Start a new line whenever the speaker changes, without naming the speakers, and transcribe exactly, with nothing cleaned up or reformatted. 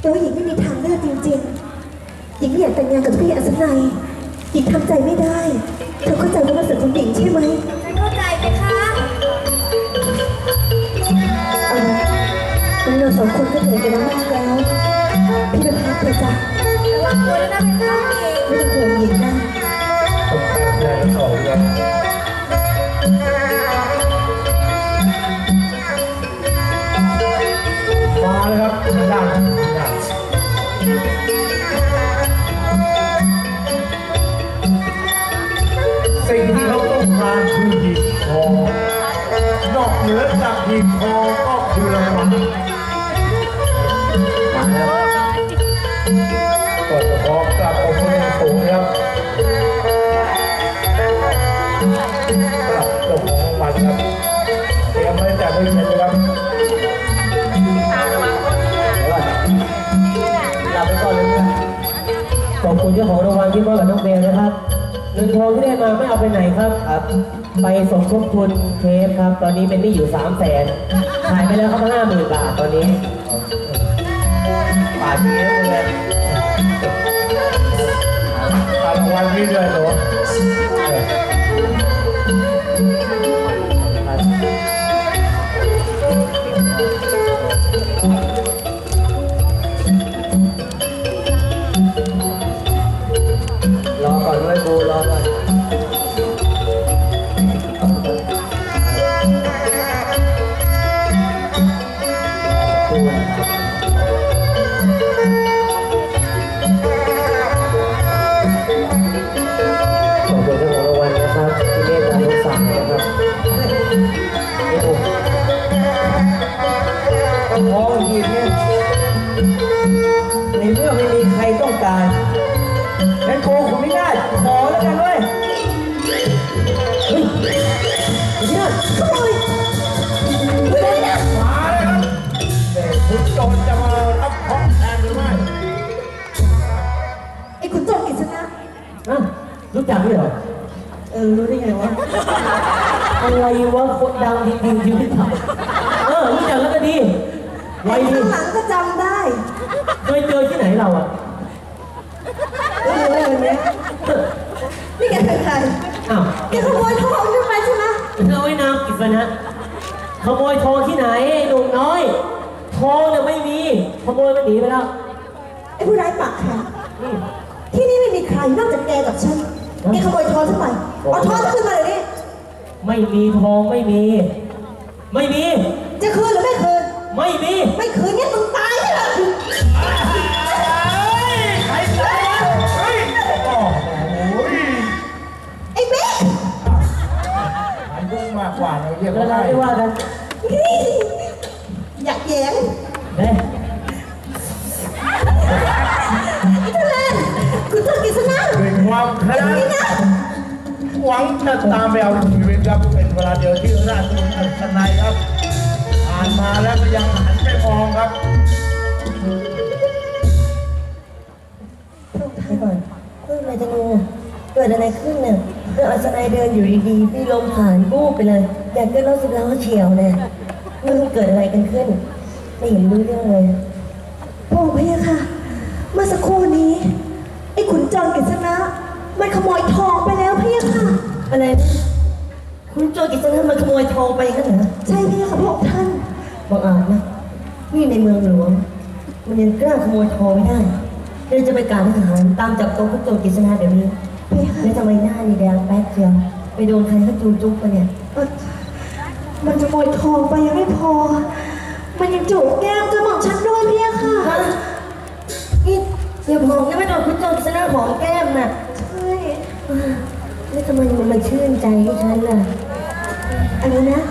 แต่ว่าหญิงไม่มีทางเลือกจริงๆหญิงไม่อยากแต่งงานกับพี่อัศนัยหญิงทำใจไม่ได้เธอเข้าใจว่ามันสุดของหญิงใช่ไหมฉันเข้าใจไหมคะเอาเราสองคนก็เหนื่อยกันมากแล้วพี่ไปพักเถอะจ้ะระวังตัวด้วยนะเป็นข้าวหญิงไม่ต้องห่วงหญิงนะ
ผมทำใจทั้งสองครับมาเลยครับด้านด้านสิ่งที่เขาต้องการคือหีบทองนอกเหนือจากหีบทองก็คือรางวัลมาแล้วก็จะพร้อมกลับออกมาอย่างสูงครับกลับเจ้าของรางวัลครับเตรียมไว้แต่ไม่เสร็จเลยครับลาไปก่อนเลยนะ
ขอบคุณเจ้าของรางวัลที่มอบกับน้องเบลนะครับเงินทองที่ได้มาไม่เอาไปไหนครับครับไปสมทบทุนเทปครับตอนนี้เป็นหนี้อยู่สามแสนขายไปแล้วครับห้าหมื่นบาทตอนนี้
ป่าเนี้ยเลยรางวัลนี้เลยเหรอ
รอก่อนด้วยกูรอก่อน
ทองหีบเนี่ยในเมื่อไม่มีใครต้องการงั้นโกงผมไม่ได้ขอแล้วกันเว้ยเฮ้ยเนี่ยขโมยไม่ได้นะมาเลยครับแต่คุณโจรจะมารับของแทนหรือไม่
ไอ้คุณโจรกิษณะ
อ่ะรู้จักด้วยเหรอ
เออรู้ได้ไงวะ
อะไรวะคนดังจริงๆชีวิตเราเออรู้จักแล้วก็ดี
ไอ้ข้างหลังก็จำได้
เคยเจอที่ไหนเราอ่ะ
เอออะไรแบบนี้นี่แกเป็นใคร
อ้าว
แกขโมยทองขึ้นไปใช่ไหม
น้อยนามกิษณะขโมยทองที่ไหนหนุ่มน้อยทองเนี่ยไม่มีขโมยมันหนีไปแล้ว
ไอ้ผู้ร้ายปากแข็งที่นี่ไม่มีใครนอกจากแกกับฉันแกขโมยทองทำไมเอาทองขึ้นมาเลยนี่
ไม่มีทองไม่มีไม่มี
จะคืนหรือไม่คืน
ไม่มี
ไม่คืนงั้นมึงตายใช่ไหม
ใครตายวะเฮ้ยโอ้โห
ไอ้เบ๊ก
มันยุ่งมากกว่าเราเรียก
ว่าอะไรไม่ว่ากัน
อยากแย้ง
เฮ้ย
ทุเรศคุณโจรกิษณะ
เป็นความแค้นหวังจะตามไปเอาชีวิตครับเป็นเวลาเดียวที่ราชบุตรอัศนัยครับผ่านมาแล้วก็ยังหันไปมองครับ
ไปก่อนเรื่องอะไรจะงูเกิดอะไรขึ้นเนี่ยเรื่องอัศนัยเดินอยู่ดีๆพี่ลมผ่านบูบไปเลยอยากเกิดรถสิบล้อเฉียวเนี่ยไม่รู้เกิดอะไรกันขึ้นไม่เห็นรู้เรื่องเลยโอ้พี่ค่ะเมื่อสักครู่นี้ไอ้ขุนจรกิษณะมันขโมยทองไปแล้วพี่ค่ะอะไรขุนจรกิษณะมันขโมยทองไปกันเหรอใช่พี่ค่ะพวกท่านบังอาจนะนี่ในเมืองหลวงมันยังกล้าขโมยทองไม่ได้เราจะไปการทหารตามจับตัวขุนจรกิษณะเดี๋ยวนี้แล้วทำไมหน้านี่แดงแป๊ดเชียวไปโดนใครเขาจูจุ๊บกันเนี่ยมันจะขโมยทองไปยังไม่พอมันยังจูบแก้มกระหม่อมฉันด้วยพี่ค่ะนี่อย่าบอกนะไม่โดนขุนจรกิษณะของแก้มน่ะใช่แล้วทำไมมันมาชื่นใจให้ฉันล่ะอะไรนะ